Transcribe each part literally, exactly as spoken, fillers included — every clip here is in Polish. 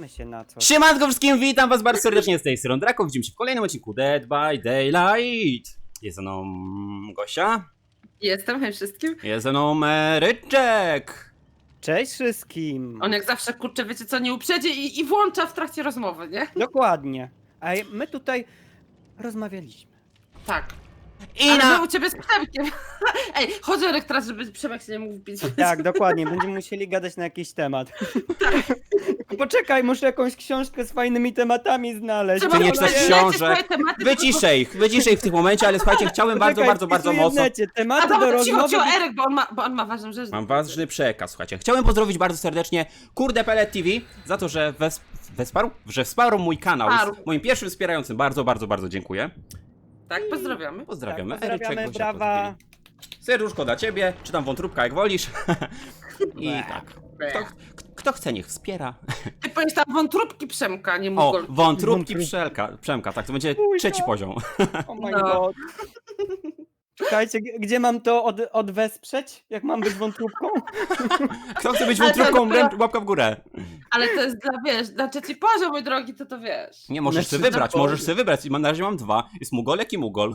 Mamy się na co. Siemanko wszystkim, witam was bardzo serdecznie z tej strony Draco. Widzimy się w kolejnym odcinku Dead by Daylight. Jest ze mną Gosia. Jestem, hej wszystkim. Jest ze mną Ryczek. Cześć wszystkim. On jak zawsze, kurczę, wiecie co, nie uprzedzi i, i włącza w trakcie rozmowy, nie? Dokładnie. A my tutaj rozmawialiśmy. Tak. I Ale na... my u ciebie z Przemkiem. Ej, chodź Erek teraz, żeby Przemek się nie mógł bić. Tak, dokładnie. Będziemy musieli gadać na jakiś temat. Poczekaj, muszę jakąś książkę z fajnymi tematami znaleźć. Trzeba Ty nie było czytasz lecieć książek. swoje tematy, Wyciszej ich, wyciszej ich w tym momencie, ale słuchajcie, chciałem bardzo, Poczekaj, bardzo, bardzo wpisuję w mocno... necie. A Tematy do dobra, cicho, rozmowy. cicho, Erek, bo on ma, bo on ma ważną rzecz. Mam ważny przekaz, słuchajcie. Chciałem pozdrowić bardzo serdecznie Kurde Pellet T V za to, że wes... wesparł? Że wsparł mój kanał. Wsparł. Jest moim pierwszym wspierającym. Bardzo, bardzo, bardzo dziękuję. Tak, pozdrawiamy. Pozdrawiamy. Tak, pozdrawiamy, Eryczek, brawa. Serduszko dla ciebie, czy tam wątróbka jak wolisz. I Bleh. tak. Kto, kto chce, niech wspiera. Ty powiesz tam wątróbki Przemka, nie O, mógł. wątróbki Wątróbki. Przemka, Przemka, tak, to będzie Ujka. trzeci poziom. Oh my No. god. Czekajcie, g- gdzie mam to od, odwesprzeć? Jak mam być wątróbką? Kto chce być Ale to wątróbką, dopiero- ręcz- łapka w górę. Ale to jest dla, wiesz, dla trzeci poziom, mój drogi, to to wiesz. Nie, możesz Znaczy, sobie wybrać, na możesz pewno. sobie wybrać. Na razie mam dwa. Jest Mugolek i Mugol.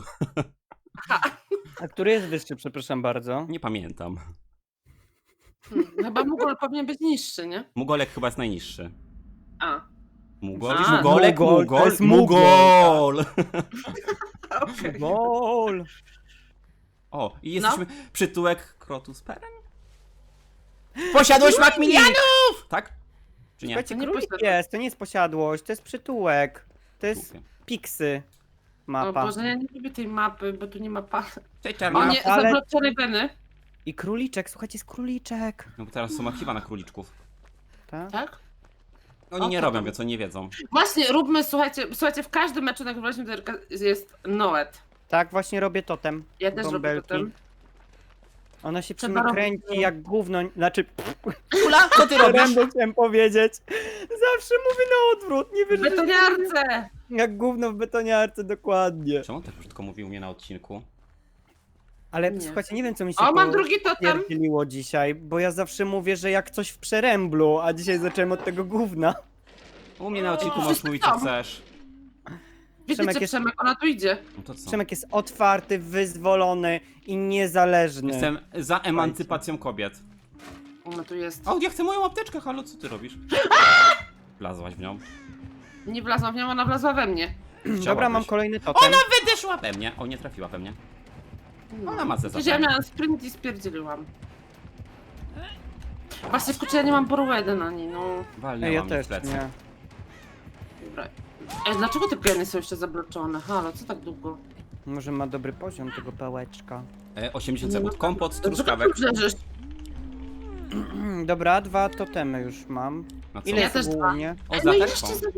A który jest wyższy, przepraszam bardzo? Nie pamiętam. Hmm, chyba Mugol powinien być niższy, nie? Mugolek chyba jest najniższy. A. Mugol, A, Mugolek, Mugol, to Mugol, jest Mugol, Mugol. Okej. Gol. O, i No. jesteśmy przytułek Krotus Peren? Posiadłość Macmillianów! Tak? Czy nie? Słuchajcie, To nie królik posiadłość. jest, to nie jest posiadłość, to jest przytułek. To jest Głupie. piksy. O Mapa. Boże, ja nie lubię tej mapy, bo tu nie ma pa... Cześć, O czarna. nie, ale- zabloczone weny. I króliczek, słuchajcie, jest króliczek. No bo teraz są archiwa na króliczków. Tak? Tak? Oni O, nie to robią, tam. więc oni nie wiedzą. Właśnie, róbmy, słuchajcie, słuchajcie, w każdym meczu nagrywaliśmy do Erka jest Noet. Tak, właśnie robię totem. Ja też robię Bąbelki. potem. Ona się przy Trzeba mnie robić kręci to. jak gówno, znaczy Ula, co ty robisz? rędę chciałem powiedzieć. Zawsze mówię na odwrót, nie W wiesz, że betoniarce! jak gówno w betoniarce, dokładnie. Czemu tak brzydko mówił mnie na odcinku? Ale Nie. słuchajcie, nie wiem co mi się O, mam po- drugi totem! pierdzieliło dzisiaj, bo ja zawsze mówię, że jak coś w przeręblu, a dzisiaj zacząłem od tego gówna. U mnie na odcinku O, możesz mówić co tam. chcesz. Wiecie Przemek co, jest- Przemek, ona tu idzie. No to co? Przemek jest otwarty, wyzwolony i niezależny. Jestem za emancypacją kobiet. Ona tu jest. O, ja chcę moją apteczkę, halo, co ty robisz? Wlazłaś w nią. Nie wlazła w nią, ona wlazła we mnie. Dobra, mam Chciałabyś. kolejny totem. Ona wydeszła we mnie. O, nie trafiła we mnie. Ona ma ze Przecież ja miałam sprint i spierdzieliłam. Właśnie, kurczę, ja nie mam borłedy na niej, no. Walnęła Ej, ja mi też w plecy. nie. Dobra. Ej, dlaczego te piany są jeszcze zabloczone? Halo, co tak długo? Może ma dobry poziom tego pałeczka. E, osiemdziesiąt Nie sekund. ma- Kompot z Dlaczego truskawek. ty brzeżysz? Dobra, dwa totemy już mam. No co? Ile Ja jest też dwa. ogólnie? O, Ej, z no i lateczką. jeszcze za...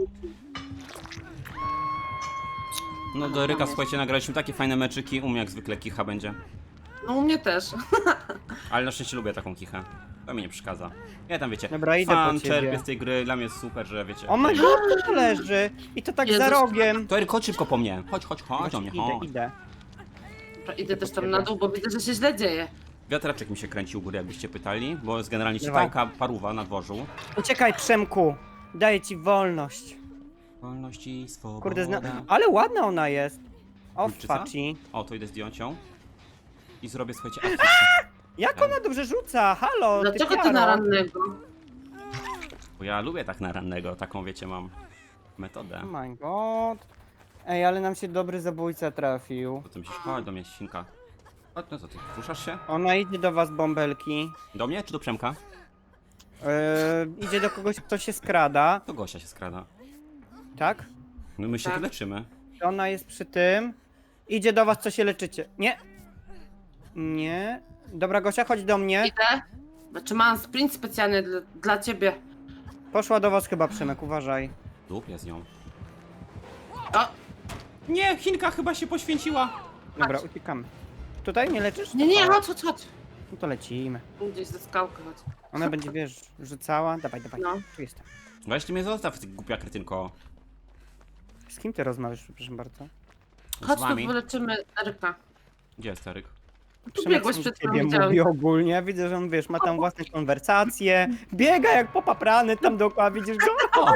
No do Ryka, słuchajcie, nagraliśmy takie fajne meczyki. U mnie jak zwykle kicha będzie. No u mnie też. Ale na szczęście lubię taką kichę. To mi nie przeszkadza. Ja tam wiecie, Dobra, idę po fan ciebie. czerpię z tej gry, dla mnie jest super, że wiecie. O my god, to leży! I to tak Jezus. za rogiem. To Eryk, chodź szybko po mnie. Chodź, chodź, chodź o mnie, Idę, chodź. idę. Dobra, idę też tam na dół, bo widzę, że się źle dzieje. Wiatraczek mi się kręci u góry, jakbyście pytali, bo jest generalnie Dawaj. czytałka paruwa na dworzu. Uciekaj, Przemku! Daję ci wolność. Wolność i swoboda. Kurde, zna... ale ładna ona jest. O, Wilczyca? faci. O, to idę zdjąć ją. I zrobię, słuchajcie, akcję. Jak ona dobrze rzuca? Halo, Dlaczego ty piaro. na rannego? Bo ja lubię tak na rannego, taką wiecie, mam metodę. Oh my god. Ej, ale nam się dobry zabójca trafił. Potem się chodź do mnie, świnka. Chodź, no co ty, ruszasz się? Ona idzie do was, bąbelki. Do mnie czy do Przemka? Yy, idzie do kogoś, kto się skrada. To Gosia się skrada. Tak? No my się Tak. tu leczymy. Ona jest przy tym. Idzie do was, co się leczycie. Nie. Nie. Dobra, Gosia, chodź do mnie. Idę. Znaczy mam sprint specjalny dla, dla ciebie. Poszła do was chyba, Przemek, uważaj. Dupię z nią. O! Nie, Chinka chyba się poświęciła. Dobra, uciekamy. Tutaj nie leczysz? Nie, nie, chodź, chodź, chodź. No to lecimy. Gdzieś ze skałkę chodź. Ona będzie, wiesz, rzucała. Dawaj, dawaj. No. Tu jestem. Weź mnie zostaw, ty głupia kretynko. Z kim ty rozmawiasz, przepraszam bardzo? Z Chodź tu wami. wyleczymy Eryka. Gdzie jest Eryk? Przemek biegłeś sam przed do ciebie chwilą, widziałem. mówi ogólnie. Widzę, że on, wiesz, ma tam własne konwersacje. Biega jak popaprany tam dookoła, widzisz go? O,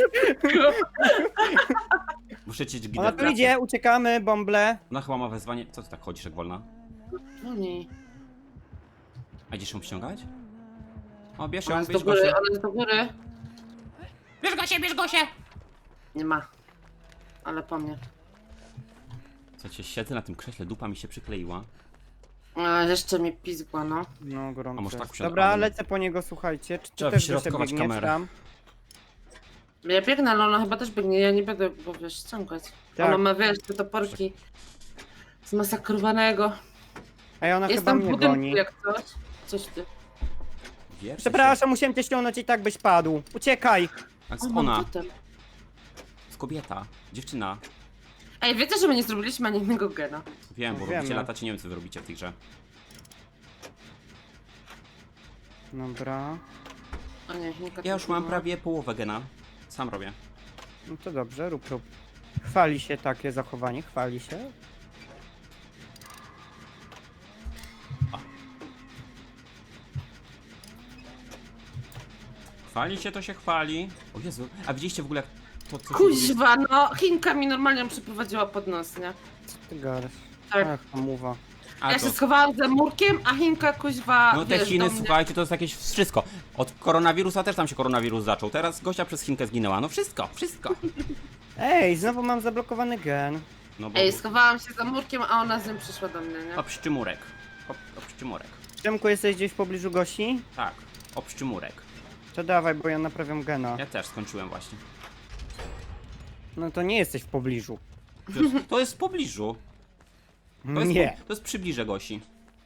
muszę cię Ona tu idzie, uciekamy, bąble. Ona chyba ma wezwanie. Co ty tak chodzisz jak wolna? No nie. A idziesz ją ściągać? O, bierz Ona ją, jest do bierz góry, Gosię. ona jest do góry. Bierz Gosię, bierz Gosię! Nie ma. Ale po mnie. Co cię siedzę na tym krześle, dupa mi się przykleiła. A, jeszcze mnie pizgła, no. No, A gorąco. może tak jest. usiądę? Dobra, Ale- lecę po niego, słuchajcie. Czy ty Trzeba też Gosia wyśrodkować biegniesz kamerę. tam? Ja biegnę, ale ona chyba też biegnie, ja nie będę go, wiesz, ściągać. Tak. Ona ma, wiesz, te toporki zmasakrowanego. Ej, ona chyba Jestem w mnie budynku goni. jak coś. Coś ty. Wierzę Przepraszam, musiałem cię ściągnąć i tak byś padł. Uciekaj! się. A O, z mam ona, totem. z kobieta, dziewczyna. Ej, wiecie, że my nie zrobiliśmy ani jednego gena? Wiem, bo Wiemy. robicie latacie, nie wiem co wy robicie w tej grze. Dobra. O nie, Chinka Ja już tylko mam ma. prawie połowę gena. Sam robię. No to dobrze, rób, rób. Chwali się takie zachowanie, chwali się. Chwali się to się chwali. O Jezu, a widzieliście w ogóle jak to co... Kuźwa, no, Chinka mi normalnie ją przyprowadziła pod nos, nie? Co ty gadasz? Tak. Ach, hamuwa. A Ja to... się schowałam za murkiem, a Chinka kuźwa, No te wiesz, Chiny, do mnie. słuchajcie, to jest jakieś wszystko. Od koronawirusa też tam się koronawirus zaczął. Teraz gościa przez Chinkę zginęła. No wszystko, wszystko. Ej, znowu mam zablokowany gen. No bo... Ej, schowałam się za murkiem, a ona z nim przyszła do mnie, nie? Obszczymurek. Ob, obszczymurek. Przemku, jesteś gdzieś w pobliżu Gosi? Tak, obszczymurek. To dawaj, bo ja naprawiam gena. Ja też skończyłem właśnie. No to nie jesteś w pobliżu. To jest, to jest w pobliżu. To jest, Nie. To jest przybliże Gosi.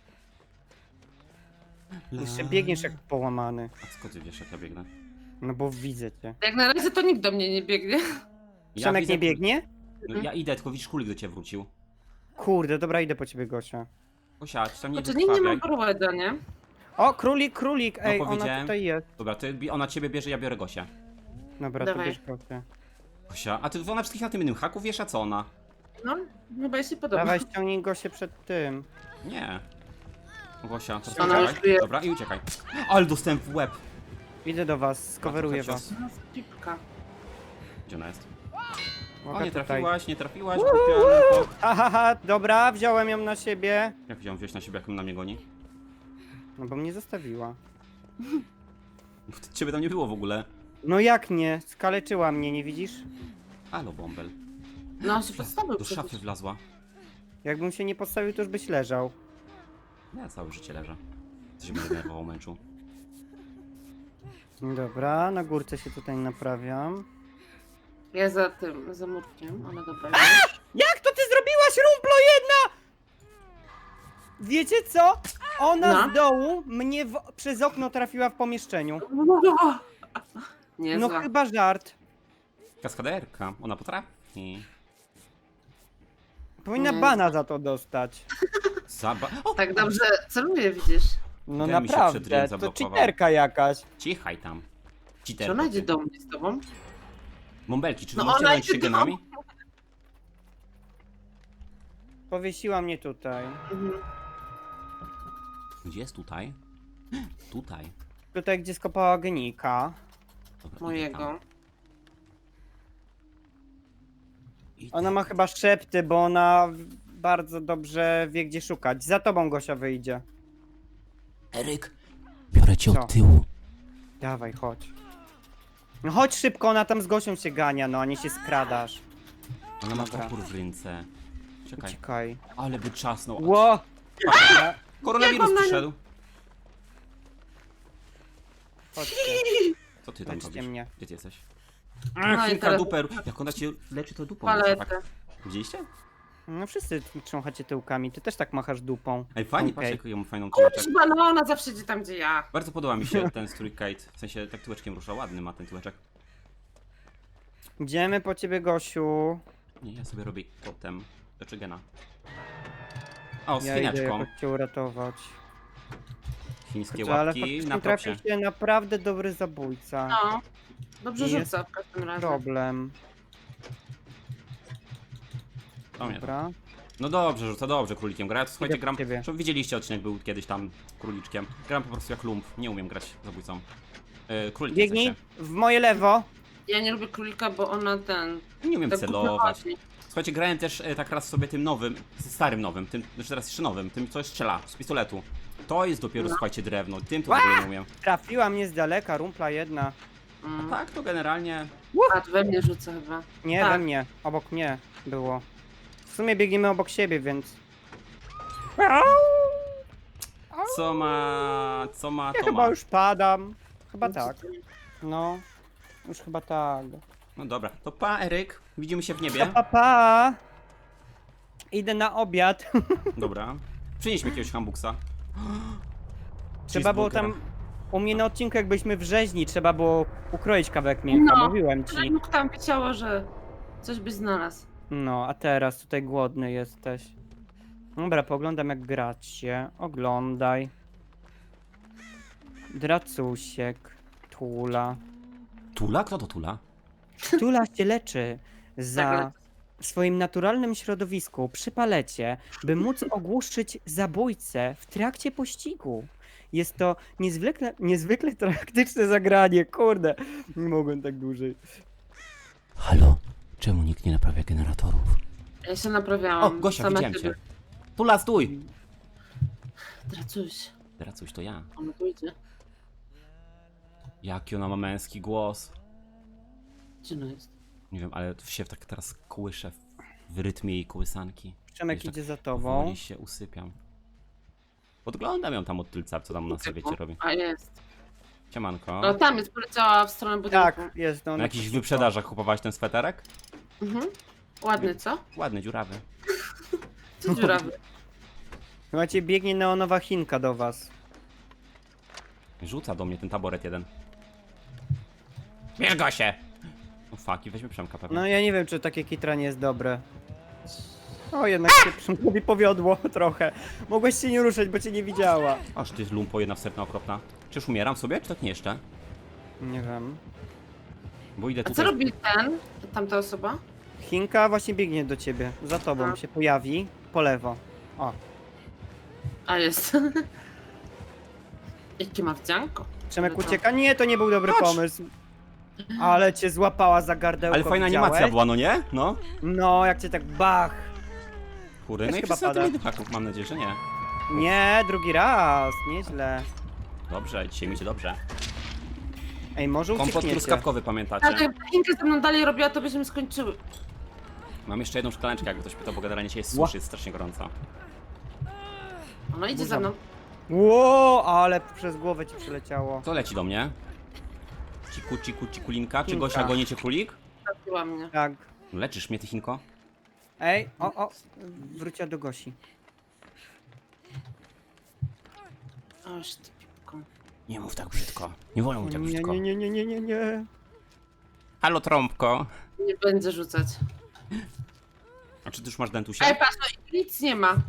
Jeszcze biegniesz jak połamany. A skąd ty wiesz jak ja biegnę? No bo widzę cię. Jak na razie to nikt do mnie nie biegnie. Ja Przemek widzę- nie biegnie? No, ja idę, tylko widzisz kulik do ciebie wrócił. Kurde, dobra, idę po ciebie, Gosia. Gosia, ci tam nie Znaczy, nikt nie ma wykrwawiaj. prołeda, nie? O, królik, królik! Ej, ona powiedziałem. tutaj jest. Dobra, ty, bi- ona ciebie bierze, ja biorę Gosię. Dobra, to Dawaj. bierz Gosię. Gosia, a ty ona wszystkich na tym innym haku wiesz, a co ona? No, chyba jej się podoba. Dawaj, ściągnij Gosię przed tym. Nie. Gosia, teraz Ona już uciekaj. tu jest. Dobra, i uciekaj. Ale dostałem w łeb. Idę do was, skoweruję trochę was. No, pipka. Gdzie ona jest? O, Uwaga, nie tutaj. trafiłaś, nie trafiłaś, głupia. Ahaha, dobra, wziąłem ją na siebie. Jak ją wziąć na siebie, jak on na mnie goni? No bo mnie zostawiła. Bo ciebie tam nie było w ogóle. No jak nie? Skaleczyła mnie, nie widzisz? Halo, bąbel. No, on się podstawił Do przecież. szafy wlazła. Jakbym się nie postawił, to już byś leżał. Ja całe życie leżę. Co się będę nerwował męczu. Dobra, na górce się tutaj naprawiam. Ja za tym, za murkiem, ale dobra. Jak to ty zrobiłaś, rumplo jedna? Wiecie co? Ona No. z dołu mnie w, przez okno trafiła w pomieszczeniu. Nie, No zła. chyba żart. Kaskaderka, ona potrafi. Powinna Nie. bana za to dostać. Zaba... O, Tak dobrze celuje, widzisz. No Ten mi się przed naprawdę, ryjem to zablokował. cheaterka jakaś. Cichaj tam. Czy Cheaterko, ona idzie ty. do mnie z tobą? Bąbelki, czy No no możecie ona zająć się idzie do- genami? Powiesiła mnie tutaj. Mhm. Gdzie jest tutaj? Tutaj. Tutaj, gdzie skopała genika. Dobra, idę Mojego. tam. Idę. Ona ma chyba szepty, bo ona bardzo dobrze wie, gdzie szukać. Za tobą Gosia wyjdzie. Eryk, biorę cię Co? od tyłu. Dawaj, chodź. No chodź szybko, ona tam z Gosią się gania, no, a nie się skradasz. Ona ma Dobra. topór w ręce. Czekaj, Uciekaj. ale by czasnął. Ło! Koronawirus Jak ona- przyszedł. Chodźcie, Co ty tam leczcie robisz? mnie. Gdzie ty jesteś? No Ach, i kilka teraz- duper. Jak ona cię leczy, to dupą. Paletę. Tak. Widzieliście? No wszyscy trząchacie tyłkami, ty też tak machasz dupą. Ej, fajnie, Okej. patrz jaką ją fajną tyłeczek. Kuźwa, no ona zawsze idzie tam, gdzie ja. Bardzo podoba mi się ten strój Kate. W sensie tak tyłeczkiem rusza, ładny ma ten tyłeczek. Idziemy po ciebie, Gosiu. Nie, ja sobie robię potem. Leczy gena. O, z Ja idę chiniaczką. jakoś cię uratować. Chińskie Kurczę, ale łapki faktycznie na trafi propsie. się naprawdę dobry zabójca. No. Dobrze Jest rzuca w każdym razie. Problem. O nie, Dobra. No dobrze, rzuca dobrze królikiem gra. Ja to, słuchajcie, Idę po gram. ciebie. Zresztą widzieliście odcinek, był kiedyś tam króliczkiem. Gram po prostu jak lump. Nie umiem grać zabójcą. Yy, królikiem w Biegnij sensie. w moje lewo. Ja nie lubię królika, bo ona ten... Nie umiem tak celować. głupio chodzi. Słuchajcie, grałem też e, tak raz sobie tym nowym, starym nowym, tym, znaczy teraz jeszcze nowym, tym co strzela z pistoletu. To jest dopiero, No. słuchajcie, drewno. Tym to w ogóle nie umiem. Trafiła mnie z daleka, rumpla jedna. Mm. Tak, to generalnie. A, to we mnie rzuca chyba. Nie, Tak. we mnie. Obok mnie było. W sumie biegniemy obok siebie, więc... Co ma. Co ma, Ja to chyba ma. już padam. Chyba tak. No. Już chyba tak. No dobra, to pa, Eryk. Widzimy się w Pa, niebie. pa, pa. Idę na obiad. Dobra. Przynieś mi jakiegoś hambuksa. Trzeba było tam... U mnie na odcinku jakbyśmy w rzeźni, trzeba było ukroić kawałek mięcha, No. mówiłem Ale ci. mógł tam wiedziało, że coś byś znalazł. No, a teraz tutaj głodny jesteś. Dobra, pooglądam jak gracie. Oglądaj. Dracusiek. Tula. Tula? Kto to Tula? Tula się leczy Tak, za ale- w swoim naturalnym środowisku przy palecie, by móc ogłuszyć zabójcę w trakcie pościgu. Jest to niezwykle, niezwykle praktyczne zagranie, kurde. Nie mogłem tak dłużej. Halo? Czemu nikt nie naprawia generatorów? Ja się O, naprawiałam. Gosia, same widziałem ciebie. cię. Tula, stój! Dracuś, Dracuś, to ja. ona tu idzie. Jaki ona ma męski głos. Gdzie ona jest? Nie wiem, ale się tak teraz kołyszę w, w rytmie jej kołysanki. Przemek Wiesz, tak idzie za tobą. Powoli się usypiam. Podglądam ją tam od tylca, co tam na sobie robi. A jest. Siemanko. No tam jest, poleciała w stronę budynku. Tak, jest no. Na jakichś wyprzedażach kupowałaś ten sweterek? Mhm. Ładny, co? Ładny, dziurawy. Co dziurawy? Słuchajcie, biegnie neonowa Chinka do was. Rzuca do mnie ten taboret jeden. Bierz go się! No fuck, i weźmy Przemka pewnie. No ja nie wiem, czy takie kitranie jest dobre. O, jednak się Przemkowi powiodło trochę. Mogłeś się nie ruszać, bo cię nie widziała. Aż ty lumpo jedna wstępna okropna. Czyż umieram sobie, czy tak nie jeszcze? Nie wiem. Bo idę A co tutaj. robi ten? Tamta osoba? Chinka właśnie biegnie do ciebie. Za tobą A. się pojawi. Po lewo. O. A jest. Jakie ma wdzianko? Przemek Ale to- ucieka. Nie, to nie był dobry Chodź. pomysł. Ale cię złapała za gardełko. Ale fajna widziałeś? animacja była, no nie? No. No, jak cię tak bach. Kurde, Też no i chyba wszyscy na pada. tym dychaków, mam nadzieję, że nie. Nie, drugi raz. Nieźle. Dobrze, dzisiaj mi się dobrze. Ej, może Kompot uciekniecie. truskawkowy, Tak, pamiętacie? jakby Chinka ze mną dalej robiła, to byśmy skończyły. Mam jeszcze jedną szklaneczkę, jakby ktoś pytał, bo generalnie się jest Ła. suszy, jest strasznie gorąco. Ona idzie Burza. za mną. Ło, ale przez głowę ci przyleciało. Co leci do mnie? Ciku, ciku, cikulinka. Czy Chinka. Gosia goni cię królik? Trafiła mnie. Tak. Leczysz mnie, ty Chinko? Ej, o, o. Wróciła do Gosi. Oż ty pipko. Nie mów tak brzydko. Nie wolno mówić tak Nie, brzydko. nie, nie, nie, nie, nie, nie. Halo, trąbko. Nie będzie rzucać. A czy ty już masz dentusia? Ej, patrz, no, nic nie ma.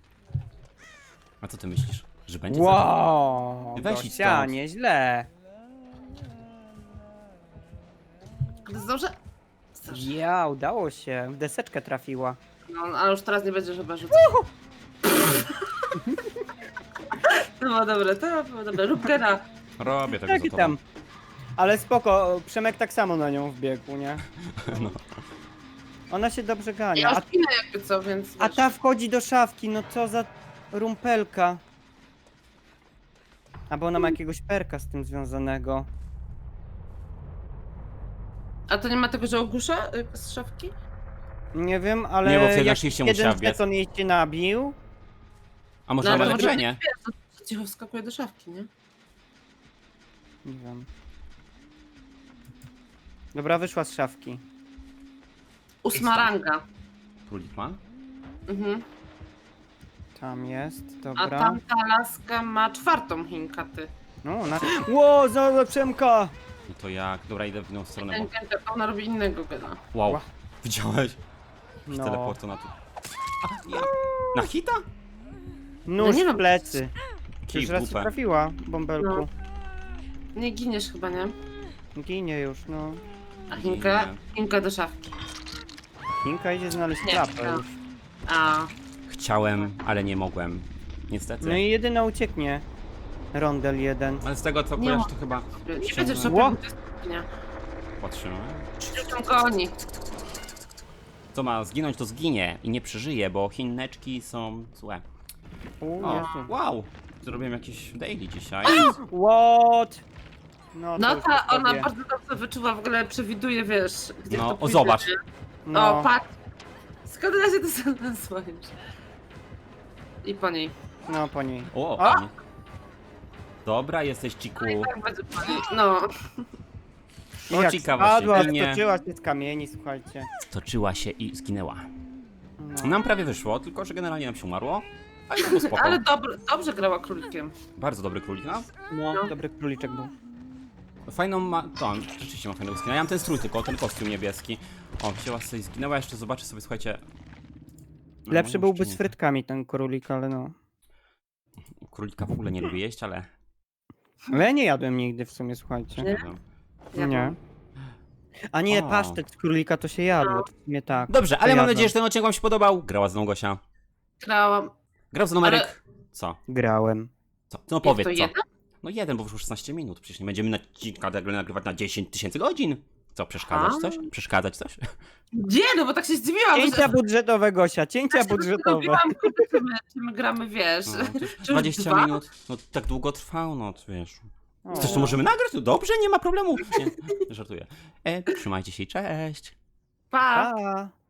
A co ty myślisz? Że będzie za... Wow, Weź idź Gosia, stąd. nieźle. Ale zdążę? Zdążę. Ja, udało się. W deseczkę trafiła. No, ale już teraz nie będzie chyba rzucać. To było dobre, to było dobre. Rób gena. Robię tego Tak za i tobą. tam. Ale spoko, Przemek tak samo na nią wbiegł, nie? No. Ona się dobrze gania. Ja A, już pinę jakby co, więc a wiesz. ta wchodzi do szafki, no co za rumpelka. Albo ona ma jakiegoś perka z tym związanego. A to nie ma tego, że ogłusza y, z szafki? Nie wiem, ale Nie, bo wtedy jak oczywiście musiała jeden wbiec. żeton jej się nabił. A może No, no, ale nawet może- leczenie? To cicho wskakuje do szafki, nie? Nie wiem. Dobra, wyszła z szafki. Ósma ranga. Królik ma? Mhm. Tam jest, A dobra. tamta laska ma czwartą Chinka, ty. No, ona... Ło, za Przemka! No to jak? Dobra, idę w inną stronę, Ten bo... gen, to ona robi innego gena. Wow. Ła. Widziałeś? No. Teleportu na tu. A, ja. Na hita? Nóż No nie w wiem. plecy. Kij Już w raz ci dupę. trafiła, bąbelku. Nie giniesz chyba, nie? Ginie już, no. A Chinka? Ginie. Chinka do szafki. Chinka idzie znaleźć Nie, klapę no. już. A, Chciałem, ale nie mogłem. Niestety. No i jedyna ucieknie. Rondel jeden. Ale z tego co Nie kojarzę, ma. to chyba... Nie Ściągnę. będziesz Ło! robił nie. Patrzymy. Tam goni. Co ma zginąć, to zginie i nie przeżyje, bo Chineczki są złe. U, O, Jezu. wow! Zrobiłem jakieś daily dzisiaj. What? No, to No już ta, po ona tobie. bardzo dobrze wyczuwa, w ogóle przewiduje, wiesz, gdzie No, to o, pójdzie, zobacz. nie? No. O, patrz. Skąd na się to znalazła już? I po niej. No, po niej. O, A! pani. Dobra, jesteś Ciku. Tak będzie po niej. No. No, Jak ciekawa spadła, się i nie- stoczyła się z kamieni, słuchajcie. Stoczyła się i zginęła. No. Nam prawie wyszło, tylko że generalnie nam się umarło. Ale to było spoko. Ale dobry, dobrze grała królikiem. Bardzo dobry królik, no. No, dobry króliczek był. Fajną ma... To, on rzeczywiście ma fajnego skina. Ja mam ten strój tylko, ten kostium niebieski. O, wzięła sobie i zginęła. Jeszcze zobaczę sobie, słuchajcie... No, Lepszy może byłby jeszcze z nie. frytkami ten królik, ale no. Królika w ogóle nie lubię jeść, ale... Ale ja nie jadłem nigdy w sumie, słuchajcie. Nie? wiem. Ja Nie. mam. A nie, O. pasztet z królika to się jadło, to w sumie tak. Dobrze, To ale mam jadłem. nadzieję, że ten odcinek wam się podobał. Grała ze mną Gosia. Grałam. Grał ze mną Ale- Eryk. Co? Grałem. Co? No powiedz to co. jeden? No jeden, bo już szesnaście minut. Przecież nie będziemy odcinka nagle nagrywać na dziesięć tysięcy godzin. Co, przeszkadzać A? coś? Przeszkadzać coś? Gdzie? No bo tak się zdziwiłam. Cięcia budżetowe, Gosia, cięcia budżetowe. Mówiłam, kurde, czy my, czy my gramy, wiesz. No, to już Czy już dwadzieścia dwa? minut. No tak długo trwał, no to wiesz. O. Chcesz, to możemy nagrać? No dobrze, nie ma problemu. Nie, żartuję. E, trzymajcie się i cześć. Pa! Pa.